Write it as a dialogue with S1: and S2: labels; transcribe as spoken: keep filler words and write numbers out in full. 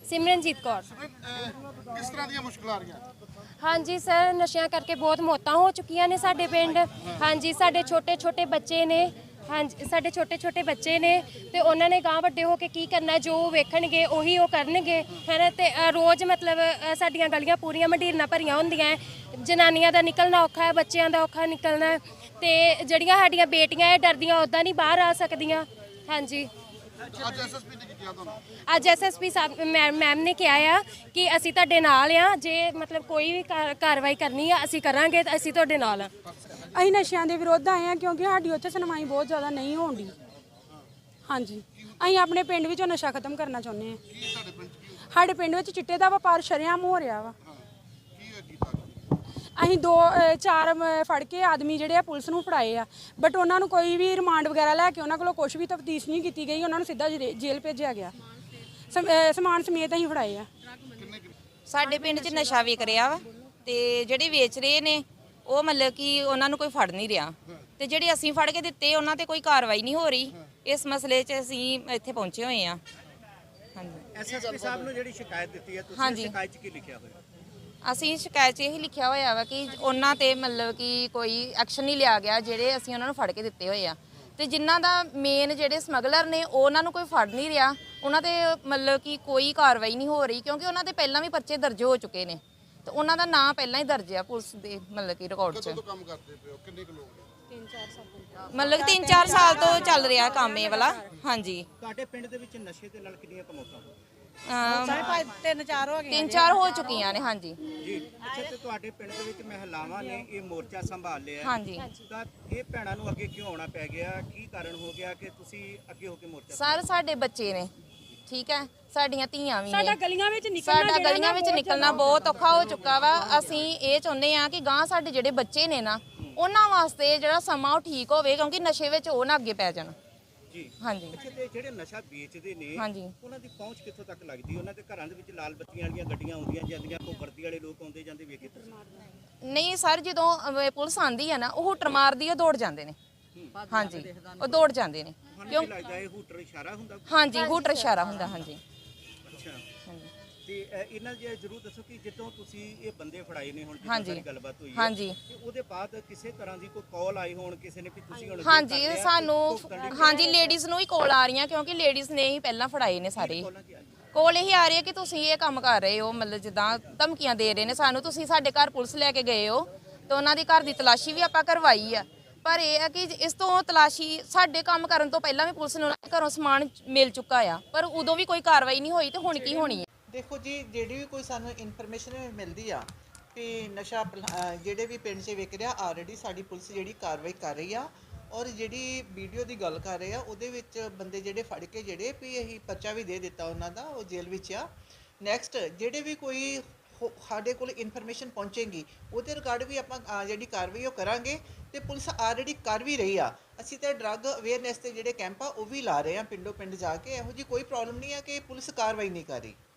S1: ਸਿਮਰਨਜੀਤ ਕੌਰ।
S2: ਕਿਸ ਤਰ੍ਹਾਂ ਦੀਆਂ ਮੁਸ਼ਕਲਾਂ ਆ ਰਹੀਆਂ?
S1: ਹਾਂਜੀ ਸਰ, ਨਸ਼ਿਆਂ ਕਰਕੇ ਬਹੁਤ ਮੌਤਾਂ ਹੋ ਚੁੱਕੀਆਂ ਨੇ ਸਾਡੇ ਪਿੰਡ। ਹਾਂਜੀ, ਸਾਡੇ ਛੋਟੇ ਛੋਟੇ ਬੱਚੇ ਨੇ। ਹਾਂਜੀ, ਸਾਡੇ ਛੋਟੇ ਛੋਟੇ ਬੱਚੇ ਨੇ ਤੇ ਉਹਨਾਂ ਨੇ ਗਾਂ ਵੱਡੇ ਹੋ ਕੇ ਕੀ ਕਰਨਾ, ਜੋ ਵੇਖਣਗੇ ਉਹੀ ਉਹ ਕਰਨਗੇ, ਹੈ ਨਾ। ਤੇ ਰੋਜ਼ ਮਤਲਬ ਸਾਡੀਆਂ ਗਲੀਆਂ ਪੂਰੀਆਂ ਮੰਡੀਰਾਂ ਭਰੀਆਂ ਹੁੰਦੀਆਂ, ਜਨਾਨੀਆਂ ਦਾ ਨਿਕਲਣਾ ਔਖਾ ਹੈ, ਬੱਚਿਆਂ ਦਾ ਔਖਾ ਨਿਕਲਣਾ। ਤੇ ਜਿਹੜੀਆਂ ਸਾਡੀਆਂ ਬੇਟੀਆਂ ਇਹ ਡਰਦੀਆਂ ਉੱਦਾਂ ਨਹੀਂ ਬਾਹਰ ਆ ਸਕਦੀਆਂ। ਹਾਂਜੀ,
S2: ਅੱਜ ਐਸਐਸਪੀ ਨੇ ਕੀ ਕਿਹਾ ਤੁਹਾਨੂੰ?
S1: ਅੱਜ ਐਸਐਸਪੀ ਸਾਹਿਬ ਮੈਮ ਨੇ ਕਿਹਾ ਆ ਕਿ ਅਸੀਂ ਤੁਹਾਡੇ ਨਾਲ ਆ, ਜੇ ਮਤਲਬ ਕੋਈ ਵੀ ਕਾਰਵਾਈ ਕਰਨੀ ਆ ਅਸੀਂ ਕਰਾਂਗੇ, ਤਾਂ ਅਸੀਂ ਤੁਹਾਡੇ ਨਾਲ ਆ।
S3: ਅਸੀਂ ਨਸ਼ਿਆਂ ਦੇ ਵਿਰੁੱਧ ਆਏ ਆ ਕਿਉਂਕਿ ਸਾਡੀ ਉੱਥੇ ਸੁਣਵਾਈ ਬਹੁਤ ਜ਼ਿਆਦਾ ਨਹੀਂ ਹੋਣ ਦੀ। ਹਾਂਜੀ, ਅਸੀਂ ਆਪਣੇ ਪਿੰਡ ਵਿੱਚੋਂ ਨਸ਼ਾ ਖਤਮ ਕਰਨਾ ਚਾਹੁੰਦੇ ਹਾਂ। ਸਾਡੇ ਪਿੰਡ ਵਿੱਚ ਚਿੱਟੇ ਦਾ ਵਪਾਰ ਸ਼ਰੇਆਮ ਹੋ ਰਿਹਾ ਵਾ। ਅਸੀਂ ਦੋ ਚਾਰ ਫੜ ਕੇ ਆਦਮੀ ਜਿਹੜੇ ਆ ਪੁਲਿਸ ਨੂੰ ਫੜਾਏ ਆ, ਬਟ ਉਹਨਾਂ ਨੂੰ ਕੋਈ ਵੀ ਰਿਮਾਂਡ ਵਗੈਰਾ ਲੈ ਕੇ ਉਹਨਾਂ ਕੋਲੋਂ ਕੁਝ ਵੀ ਤਫਤੀਸ਼ ਨਹੀਂ ਕੀਤੀ ਗਈ। ਉਹਨਾਂ ਨੂੰ ਸਿੱਧਾ ਜੇਲ੍ਹ ਭੇਜਿਆ ਗਿਆ। ਸਮਾਨ ਸਮੇਤ ਅਸੀਂ ਫੜਾਏ ਆ।
S4: ਸਾਡੇ ਪਿੰਡ 'ਚ ਨਸ਼ਾ ਵਿਕ ਰਿਹਾ ਵਾ ਤੇ ਜਿਹੜੇ ਵੇਚ ਰਹੇ ਨੇ ਉਹ ਮਤਲਬ ਕਿ ਉਹਨਾਂ ਨੂੰ ਕੋਈ ਫੜ ਨਹੀਂ ਰਿਹਾ, ਤੇ ਜਿਹੜੇ ਅਸੀਂ ਫੜ ਕੇ ਦਿੱਤੇ ਉਹਨਾਂ ਤੇ ਕੋਈ ਕਾਰਵਾਈ ਨਹੀਂ ਹੋ ਰਹੀ। ਇਸ ਮਸਲੇ 'ਚ ਅਸੀਂ ਇੱਥੇ ਪਹੁੰਚੇ ਹੋਏ ਆ। ਹਾਂਜੀ,
S5: ਐਸਐਸਪੀ ਸਾਹਿਬ ਨੂੰ ਜਿਹੜੀ ਸ਼ਿਕਾਇਤ ਦਿੱਤੀ ਹੈ, ਤੁਸੀਂ ਸ਼ਿਕਾਇਤ 'ਚ ਕੀ ਲਿਖਿਆ ਹੋਇਆ?
S4: ਅਸੀਂ ਸ਼ਿਕਾਇਤ 'ਚ ਇਹੀ ਲਿਖਿਆ ਹੋਇਆ ਵਾ ਕਿ ਉਹਨਾਂ ਤੇ ਮਤਲਬ ਕਿ ਕੋਈ ਐਕਸ਼ਨ ਨਹੀਂ ਲਿਆ ਗਿਆ, ਜਿਹੜੇ ਅਸੀਂ ਉਹਨਾਂ ਨੂੰ ਫੜ ਕੇ ਦਿੱਤੇ ਹੋਏ ਆ। ਤੇ ਜਿਨ੍ਹਾਂ ਦਾ ਮੇਨ ਜਿਹੜੇ ਸਮਗਲਰ ਨੇ ਉਹਨਾਂ ਨੂੰ ਕੋਈ ਫੜ ਨਹੀਂ ਰਿਹਾ, ਉਹਨਾਂ ਤੇ ਮਤਲਬ ਕਿ ਕੋਈ ਕਾਰਵਾਈ ਨਹੀਂ ਹੋ ਰਹੀ, ਕਿਉਂਕਿ ਉਹਨਾਂ ਦੇ ਪਹਿਲਾਂ ਵੀ ਪਰਚੇ ਦਰਜ ਹੋ ਚੁੱਕੇ ਨੇ ਤੇ ਉਹਨਾਂ ਦਾ ਨਾਂ ਪਹਿਲਾਂ ਹੀ ਦਰਜ ਆ ਪੁਲਿਸ ਦੇ ਮਤਲਬ ਕਿ ਰਿਕਾਰਡ 'ਚ।
S2: ਕਦੋਂ ਕੰਮ ਕਰਦੇ ਪਏ ਹੋ? ਕਿੰਨੇ ਕੁ ਲੋਕ?
S4: ਤਿੰਨ ਚਾਰ ਸਾਲ ਮਤਲਬ ਤਿੰਨ ਚਾਰ ਸਾਲ ਤੋਂ ਚੱਲ ਰਿਹਾ ਕੰਮ ਇਹ ਵਾਲਾ। ਹਾਂਜੀ,
S5: ਤੁਹਾਡੇ ਪਿੰਡ ਦੇ ਵਿੱਚ ਨਸ਼ੇ ਦੇ ਨਾਲ ਕਿੰਨੀਆਂ ਕਮੌਤਾਂ ਹੋਈਆਂ?
S4: ਤਿੰਨ ਚਾਰ ਹੋ ਗਈਆਂ, ਤਿੰਨ ਚਾਰ ਹੋ ਚੁੱਕੀਆਂ ਨੇ। ਹਾਂਜੀ
S5: ਜੀ, ਅੱਛਾ, ਤੇ ਤੁਹਾਡੇ ਪਿੰਡ ਦੇ ਵਿੱਚ ਮਹਿਲਾਵਾਂ ਨੇ ਇਹ ਮੋਰਚਾ ਸੰਭਾਲ ਲਿਆ।
S4: ਹਾਂਜੀ,
S5: ਤਾਂ ਇਹ ਭੈਣਾਂ ਨੂੰ ਅੱਗੇ ਕਿਉਂ ਆਉਣਾ ਪੈ ਗਿਆ? ਕੀ ਕਾਰਨ ਹੋ ਗਿਆ ਕਿ ਤੁਸੀਂ ਅੱਗੇ ਹੋ ਕੇ ਮੋਰਚਾ?
S4: ਸਰ ਸਾਡੇ ਬੱਚੇ ਨੇ, ਠੀਕ ਹੈ, ਸਾਡੀਆਂ ਧੀਆਂ ਵੀ ਨੇ।
S3: ਸਾਡਾ ਗਲੀਆਂ ਵਿੱਚ ਨਿਕਲਣਾ
S4: ਸਾਡਾ ਗਲੀਆਂ ਵਿੱਚ ਨਿਕਲਣਾ ਬਹੁਤ ਔਖਾ ਹੋ ਚੁੱਕਾ ਵਾ। ਅਸੀਂ ਇਹ ਚਾਹੁੰਦੇ ਆ ਕਿ ਗਾਂ ਸਾਡੇ ਜਿਹੜੇ ਬੱਚੇ ਨੇ ਨਾ ਉਹਨਾਂ ਵਾਸਤੇ ਜਿਹੜਾ ਸਮਾਂ ਉਹ ਠੀਕ ਹੋਵੇ, ਕਿਉਂਕਿ ਨਸ਼ੇ ਵਿੱਚ ਉਹ ਨਾ ਅੱਗੇ ਪੈ ਜਾਣ।
S5: ਜੀ,
S4: ਹਾਂਜੀ।
S5: ਅੱਛਾ, ਤੇ ਜਿਹੜੇ ਨਸ਼ਾ ਵੇਚਦੇ ਨੇ
S4: ਹਾਂਜੀ,
S5: ਉਹਨਾਂ ਦੀ ਪਹੁੰਚ ਕਿੱਥੋਂ ਤੱਕ ਲੱਗਦੀ? ਉਹਨਾਂ ਦੇ ਘਰਾਂ ਦੇ ਵਿੱਚ ਲਾਲ ਬੱਤੀਆਂ ਵਾਲੀਆਂ ਗੱਡੀਆਂ ਆਉਂਦੀਆਂ ਜਾਂਦੀਆਂ, ਕੋਈ ਵਰਦੀ ਵਾਲੇ ਲੋਕ ਆਉਂਦੇ ਜਾਂਦੇ ਵੇਖੇ ਤੁਸੀਂ?
S4: ਨਹੀਂ ਸਰ, ਜਦੋਂ ਅਹ, ਪੁਲਿਸ ਆਂਦੀ ਹੈ ਨਾ ਉਹ ਹੂਟਰ ਮਾਰਦੀ, ਉਹ ਦੌੜ ਜਾਂਦੇ ਨੇ। ਹਾਂਜੀ, ਉਹ ਦੌੜ ਜਾਂਦੇ ਨੇ।
S5: ਕਿਉਂ ਲੱਗਦਾ ਇਹ ਹੂਟਰ ਇਸ਼ਾਰਾ ਹੁੰਦਾ?
S4: ਹਾਂਜੀ, ਹੂਟਰ ਇਸ਼ਾਰਾ ਹੁੰਦਾ। ਹਾਂਜੀ,
S5: ਅੱਛਾ,
S4: ਹਾਂਜੀ,
S5: ਤੇ ਇਹਨਾਂ ਜੇ ਜਰੂਰ ਦੱਸੋ ਕਿ ਜਦੋਂ ਤੁਸੀਂ ਇਹ ਬੰਦੇ ਫੜਾਏ ਨੇ, ਹੁਣ
S4: ਹਾਂਜੀ,
S5: ਜਿਹੜੀ ਗੱਲਬਾਤ ਹੋਈ ਹੈ,
S4: ਹਾਂਜੀ,
S5: ਤੇ ਉਹਦੇ ਬਾਅਦ ਕਿਸੇ ਤਰ੍ਹਾਂ ਦੀ ਕੋਈ ਕਾਲ ਆਈ ਹੋਣ ਕਿਸੇ ਨੇ ਕਿ ਤੁਸੀਂ ਹੁਣ?
S4: ਹਾਂਜੀ, ਸਾਨੂੰ ਹਾਂਜੀ ਲੇਡੀਜ਼ ਨੂੰ ਹੀ ਕਾਲ ਆ ਰਹੀਆਂ, ਕਿਉਂਕਿ ਲੇਡੀਜ਼ ਨੇ ਹੀ ਪਹਿਲਾਂ ਫੜਾਏ ਨੇ ਸਾਰੇ। ਕੋਲ ਇਹੀ ਆ ਰਹੀ ਹੈ ਕਿ ਤੁਸੀਂ ਇਹ ਕੰਮ ਕਰ ਰਹੇ ਹੋ, ਮਤਲਬ ਜਿੱਦਾਂ ਧਮਕੀਆਂ ਦੇ ਰਹੇ ਨੇ ਸਾਨੂੰ, ਤੁਸੀਂ ਸਾਡੇ ਘਰ ਪੁਲਿਸ ਲੈ ਕੇ ਗਏ ਹੋ। ਤੇ ਉਹਨਾਂ ਦੀ ਘਰ ਦੀ ਤਲਾਸ਼ੀ ਵੀ ਆਪਾਂ ਕਰਵਾਈ ਆ, ਪਰ ਇਹ ਹੈ ਕਿ ਇਸ ਤੋਂ ਤਲਾਸ਼ੀ ਸਾਡੇ ਕੰਮ ਕਰਨ ਤੋਂ ਪਹਿਲਾਂ ਵੀ ਪੁਲਿਸ ਨੂੰ ਘਰੋਂ ਸਮਾਨ ਮਿਲ ਚੁੱਕਾ ਆ, ਪਰ ਉਦੋਂ ਵੀ ਕੋਈ ਕਾਰਵਾਈ ਨਹੀਂ ਹੋਈ। ਤੇ ਹੁਣ ਕੀ ਹੋਣੀ ਹੈ?
S6: ਦੇਖੋ ਜੀ, ਜਿਹੜੀ ਵੀ ਕੋਈ ਸਾਨੂੰ ਇਨਫੋਰਮੇਸ਼ਨ ਮਿਲਦੀ ਆ ਕਿ ਨਸ਼ਾ ਜਿਹੜੇ ਵੀ ਪਿੰਡ 'ਚ ਵਿਕ ਰਿਹਾ, ਆਲਰੇਡੀ ਸਾਡੀ ਪੁਲਿਸ ਜਿਹੜੀ ਕਾਰਵਾਈ ਕਰ ਰਹੀ ਆ। ਔਰ ਜਿਹੜੀ ਵੀਡੀਓ ਦੀ ਗੱਲ ਕਰ ਰਹੇ ਆ ਉਹਦੇ ਵਿੱਚ ਬੰਦੇ ਜਿਹੜੇ ਫੜ ਕੇ ਜਿਹੜੇ ਵੀ ਅਸੀਂ ਪਰਚਾ ਵੀ ਦੇ ਦਿੱਤਾ ਉਹਨਾਂ ਦਾ, ਉਹ ਜੇਲ੍ਹ ਵਿੱਚ ਆ। ਨੈਕਸਟ ਜਿਹੜੇ ਵੀ ਕੋਈ ਸਾਡੇ ਕੋਲ ਇਨਫੋਰਮੇਸ਼ਨ ਪਹੁੰਚੇਗੀ ਉਹਦੇ ਰਿਗਾਰਡ ਵੀ ਆਪਾਂ ਜਿਹੜੀ ਕਾਰਵਾਈ ਉਹ ਕਰਾਂਗੇ। ਤੇ ਪੁਲਿਸ ਆਲਰੇਡੀ ਕਰ ਵੀ ਰਹੀ ਆ। ਅਸੀਂ ਤਾਂ ਡਰੱਗ ਅਵੇਅਰਨੈਸ ਤੇ ਜਿਹੜੇ ਕੈਂਪ ਆ ਉਹ ਵੀ ਲਾ ਰਹੇ ਆ ਪਿੰਡੋਂ ਪਿੰਡ ਜਾ ਕੇ। ਇਹੋ ਜਿਹੀ ਕੋਈ ਪ੍ਰੋਬਲਮ ਨਹੀਂ ਆ ਕਿ ਪੁਲਿਸ ਕਾਰਵਾਈ ਨਹੀਂ ਕਰ ਰਹੀ।